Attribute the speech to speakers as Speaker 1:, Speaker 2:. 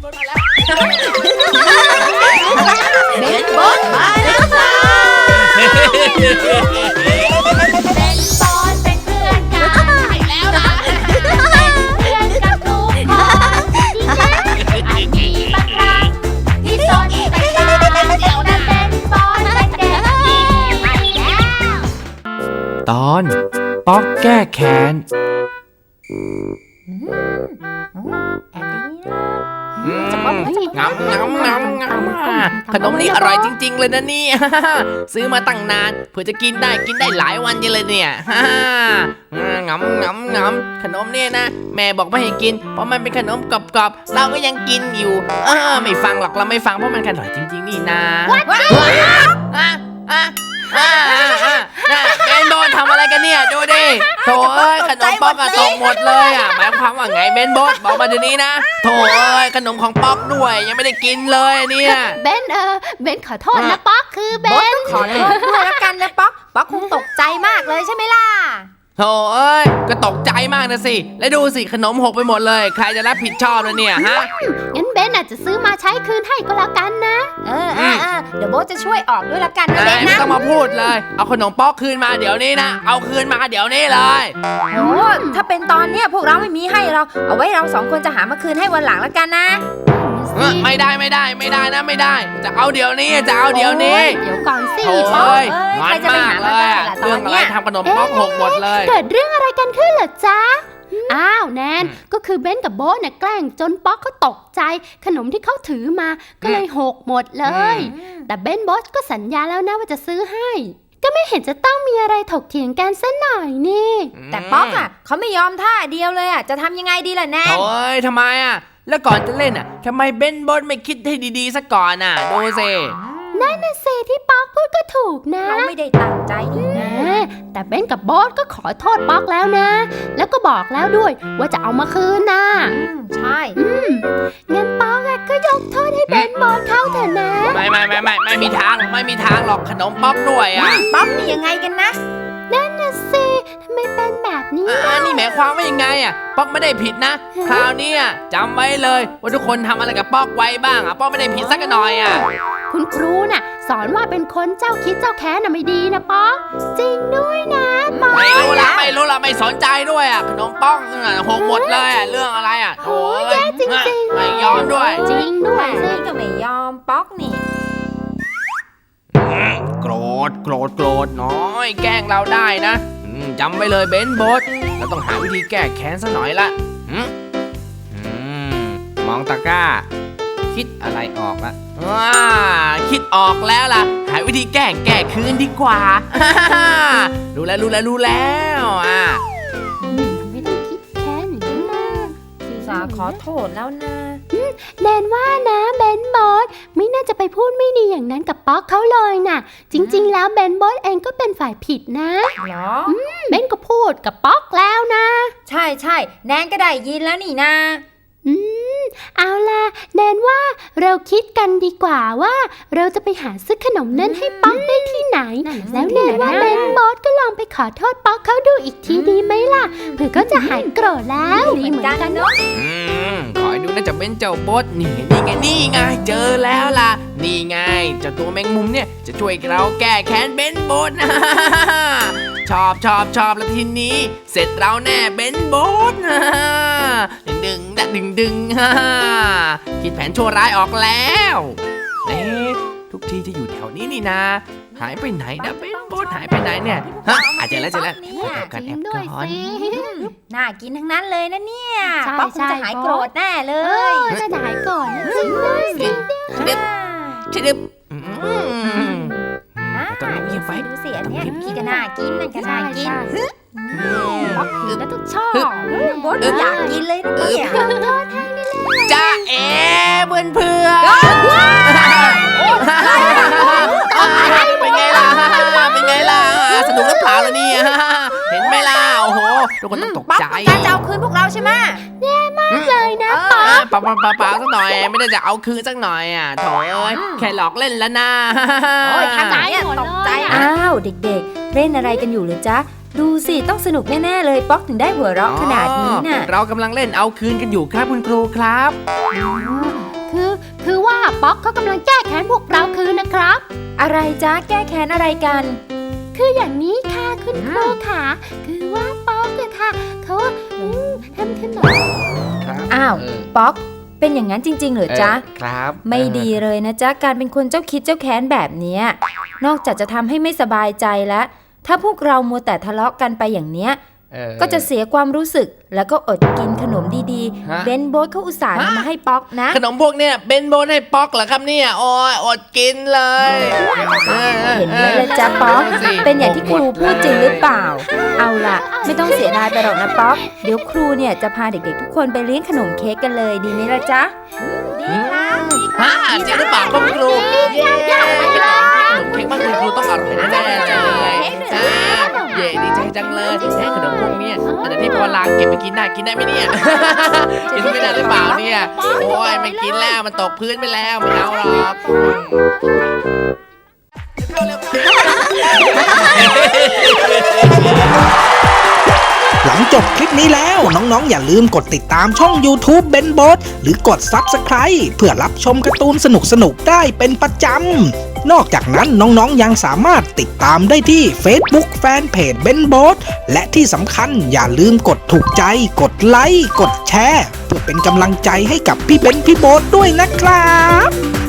Speaker 1: บอลมาแล้ว
Speaker 2: เบนบอลมาแล้วค่ะ
Speaker 3: เป็นบอลเป็นเพื่อนกันใช่แล้วนะเป็นเพื่อนกับทุกคนอาจมีบางครั้งที่สนแต่ตาเดี๋ยวนั้นเป็นบอลเป็นเด็กดีไปแล้ว
Speaker 4: ตอนป๊อกแก้แค้น
Speaker 1: งำขนมนี่อร่อยจริงๆเลยนะนี่ซื้อมาตั้งนานเพื่อจะกินได้หลายวันเลยเนี่ยงำขนมเนี่ยนะแม่บอกไม่ให้กินเพราะมันเป็นขนมกรอบๆเราก็ยังกินอยู่ไม่ฟังหรอกเราไม่ฟังเพราะมันอร่อยจริงๆนี่นะเบนโดนทำอะไรกันเนี่ยดูดิโถเอ้ยขนมป๊อกตกหมดเลยหมายความว่าไงเบนโบสบอกมาเดี๋ยวนี้นะโถเอ้ยขนมของป๊อกด้วยยังไม่ได้กินเลยเนี่ย
Speaker 2: เบนเบนขอโทษนะป๊อกคือเบน
Speaker 5: ขอโทษด้วยละกันนะป๊อกคงตกใจมากเลยใช่ไหมล่ะ
Speaker 1: โถเอ้ยก็ตกใจมากนะสิแล้วดูสิขนมหกไปหมดเลยใครจะรับผิดชอบเลยเนี่ยฮะ
Speaker 2: งั้นเบนอาจจะซื้อมาใช้คืนให้ก็แล้วกันนะ
Speaker 5: เดี๋ยวโบ๊ทจะช่วยออกด้วยละกันนะเบนนะ
Speaker 1: ไม่ต้องมาพูดเลยเอาขนมป๊อกคืนมาเดี๋ยวนี้นะเอาคืนมาเดี๋ยวนี้เลย
Speaker 5: โอ้ถ้าเป็นตอนเนี้ยพวกเราไม่มีให้เราเอาไว้เราสองคนจะหามาคืนให้วันหลังละกันนะ
Speaker 1: ไม่ได้นะไม่ได้จะเอาเดี๋ยวนี้
Speaker 2: เดี๋ยวก่อนสิ
Speaker 1: ป๊อกงอนมากเลยเรื่องอะไรทำขนมป๊อกหกหมดเลย
Speaker 2: เกิดเรื่องอะไรกันขึ้นเหรอจ๊ะอ้าวแนนก็คือเบนกับโบ๊ทเนี่ยแกล้งจนป๊อกเขาตกใจขนมที่เขาถือมาก็เลยหกหมดเลยแต่เบนโบ๊ทก็สัญญาแล้วนะว่าจะซื้อให้ก็ไม่เห็นจะต้องมีอะไรถกเถียงกันซะหน่อยนี่
Speaker 5: แต่ป๊อกเขาไม่ยอมท่าเดียวเลยจะทำยังไงดีล่ะแนน
Speaker 1: โอ้ยทำไมแล้วก่อนจะเล่นทำไมเบนโบ๊ทไม่คิดให้ดีๆซะก่อนดูสิ
Speaker 2: นั่นน่ะสิที่ป๊อกพูดก็ถูกนะ
Speaker 5: เราไม่ได้ตั้งใจนี่นะ
Speaker 2: แต่เบนกับโบ๊ทก็ขอโทษป๊อกแล้วนะแล้วก็บอกแล้วด้วยว่าจะเอามาคืนนะ
Speaker 5: ใช่
Speaker 2: งั้นป๊อกก็ยกโทษให้เบนโบ๊ทเขาเถอะนะ
Speaker 1: ไม่มีทางหรอกขนมป๊อกด้วย
Speaker 5: ป๊อกนี่ยังไงกันนะ
Speaker 2: นั่นน่ะสิทำไมเป็นแบบนี้
Speaker 1: นี่หมายความว่ายังไงป๊อกไม่ได้ผิดนะคราวนี้จำไว้เลยว่าทุกคนทำอะไรกับป๊อกไว้บ้างป๊อกไม่ได้ผิดสักหน่อย
Speaker 2: คุณครูน่ะสอนว่าเป็นคนเจ้าคิดเจ้าแค้นไม่ดีนะป๊อกจริงด้วยนะป๊อก
Speaker 1: ไม่รู้ละไม่สนใจด้วยขนมป๊อกหกหมดเลยเรื่องอะไรโอ้
Speaker 2: ยจริง
Speaker 1: ไม่ยอมด้วย
Speaker 2: จริงด้วย
Speaker 5: นี่ก็ไม่ยอมป๊อกนี่
Speaker 1: โกรธน้อยแกล้งเราได้นะจำไว้เลยเบนโบ๊ทเราต้องหาวิธีแก้แค้นซะหน่อยละมองตะกร้าคิดอะไรออกละคิดออกแล้วล่ะหาวิธีแก้คืนดีกว่ารู้แล้ว
Speaker 2: ไม่ต้องคิดแค้นอย่างนั้นนะ
Speaker 5: สาขอโทษแล้วนะ
Speaker 2: แนนว่านะเบนโบ๊ทไม่น่าจะไปพูดไม่ดีอย่างนั้นกับป๊อกเขาเลยน่ะจริงๆแล้วเบนโบ๊ทเองก็เป็นฝ่ายผิดนะ
Speaker 5: เหรอ
Speaker 2: เบนก็พูดกับป๊อกแล้วนะ
Speaker 5: ใช่แนนก็ได้ยินแล้วนี่นะ
Speaker 2: เอาล่ะแนนว่าเราคิดกันดีกว่าว่าเราจะไปหาซื้อขนมนั้นให้ป๊อกได้ที่ไหนแล้วแนนว่าเบนโบ๊ทก็ลองไปขอโทษป๊อกเขาดูอีกทีดีไหมล่ะเผื่อก็จะหายโกรธแล้ว
Speaker 5: ดีเหมือนกันเนาะ
Speaker 1: ขอให้ดูนะจะเป็นเจ้าโบ๊ทนี่ไงเจอแล้วล่ะนี่ไงเจ้าตัวแมงมุมเนี่ยจะช่วยเราแก้แค้นเบนโบ๊ทชอบแล้วทีนี้เสร็จเราแน่เบนโบ๊ทดึงคิดแผนชั่วร้ายออกแล้วทุกทีจะอยู่แถวนี้นี่นะหายไปไหนนะเบนโบ๊ทหายไปไหนเนี่ยเจอแล้วแอบก่อน
Speaker 5: น่ากินทั้งนั้นเลยนะเนี่ยป๊อกคงจะหายโกรธแน่เลย
Speaker 2: จะหายก่อนจริงด้วยสิ
Speaker 1: ตอนนี้ยังไฟ
Speaker 5: ดูเสียเนี่ยพี่ก็น่ากินนั่นก็น่ากิน
Speaker 2: ป๊อกผิดแล้วต้องชอบ
Speaker 5: โบ๊ทอยากกินเลยนะเนี่ย
Speaker 1: จ้าเพื่อนเป็นไงล่ะสนุกหรือเปล่าล่ะเนี่ยเห็นไหมล่ะโอ้โหทุกคนต้องตกใจ
Speaker 5: การจะเอาคืนพวกเราใช่ไหม
Speaker 2: แย่มากเลยนะ
Speaker 1: ป๊อกเปล่าสักหน่อยไม่ได้จะเอาคืนสักหน่อยโถ่แค่หลอกเล่นแล้วนะ
Speaker 5: โอ้ยทำไมตกใจอ้าวเด็กๆเล่นอะไรกันอยู่หรือจ๊ะดูสิต้องสนุกแน่ๆเลยป๊อกถึงได้หัวเราะขนาดนี้น่ะ
Speaker 1: เรากำลังเล่นเอาคืนกันอยู่ครับคุณครูครับ
Speaker 2: คือว่าป๊อกเขากำลังแก้แค้นพวกเราคืนนะครับ
Speaker 5: อะไรจ๊ะแก้แค้นอะไรกัน
Speaker 2: คืออย่างนี้ค่ะคุณครูค่ะ คือว่าป๊อกอะค่ะเขาทำขนม
Speaker 1: ครับ
Speaker 5: อ้าว ป๊อก เป็นอย่างนั้นจริงๆเหรอจ๊ะ
Speaker 1: ครับ
Speaker 5: ไม่ดีเลยนะจ๊ะการเป็นคนเจ้าคิดเจ้าแค้นแบบเนี้ยนอกจากจะทำให้ไม่สบายใจแล้ว ถ้าพวกเรามัวแต่ทะเลาะกันไปอย่างเนี้ยก็จะเสียความรู้สึกแล้วก็อดกินขนมดีๆเบนโบ๊ทเขาอุตส่าห์นำมาให้ป๊อกนะ
Speaker 1: ขนมพวกเนี้ยเบนโบนให้ป๊อกเหรอครับเนี่ยโอ้ยอดกินเลย
Speaker 5: เห็นไหมล่ะจ๊ะป๊อก เป็นอย่างที่ครูพูดจริงหรือเปล่า เอาล่ะ ไม่ต้องเสียดายไปหรอกนะป๊อก เดี๋ยวครูเนี่ยจะพาเด็กๆทุกคนไปเลี้ยงขนมเค้กกันเลยดีไหมล่ะจ๊ะ
Speaker 1: ฮะจริงหรือเปล่าครับคุณครูขนมเค้กบ้านคุณครูต้องอร่อยแน่ๆเลยเย่ดีใจจังเลยขนมพวกเนี้ยอันที่พอล้างเก็บไปกินได้ไหมเนี่ยกินไม่ได้หรือเปล่าเนี่ยโอ้ยไม่กินแล้วมันตกพื้นไปแล้วไม่เอาหรอก
Speaker 6: หลังจบคลิปนี้แล้วน้องๆอย่าลืมกดติดตามช่อง YouTube เบนโบทหรือกด Subscribe เพื่อรับชมการ์ตูนสนุกๆได้เป็นประจำนอกจากนั้นน้องๆยังสามารถติดตามได้ที่ Facebook Fanpage เบนโบทและที่สำคัญอย่าลืมกดถูกใจกดไลค์กดแชร์เพื่อเป็นกำลังใจให้กับพี่เบนพี่โบทด้วยนะครับ